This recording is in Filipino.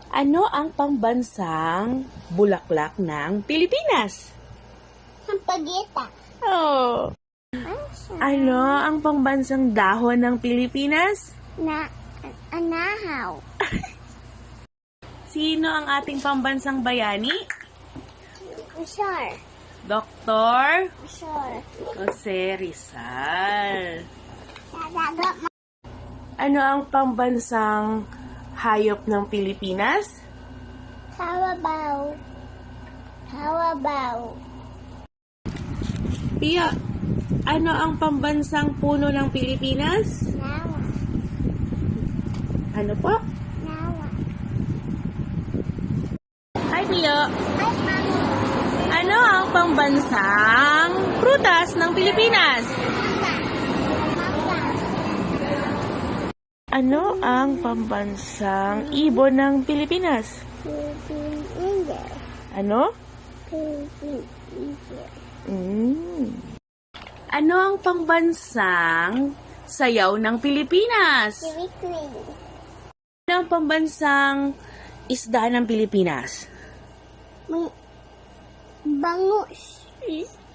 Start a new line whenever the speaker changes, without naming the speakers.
Ano ang pambansang bulaklak ng Pilipinas?
Sampagita.
Oh. Ano ang pambansang dahon ng Pilipinas?
Anahaw.
Sino ang ating pambansang bayani?
Sure.
Dr.
Sure.
Jose Rizal.
Dadaga mo.
Ano ang pambansang hayop ng Pilipinas?
Kawabaw. Kawabaw.
Pia, ano ang pambansang puno ng Pilipinas?
Nawa.
Ano po?
Nawa.
Hi, Pia.
Ay, mami.
Ano ang pambansang prutas ng Pilipinas?
Mangga. Mangga.
Ano ang pambansang ibon ng Pilipinas?
Philippine Eagle.
Ano?
Philippine Eagle.
Ano ang pambansang sayaw ng Pilipinas?
Philippine.
Ano ang pambansang isda ng Pilipinas?
Bangus.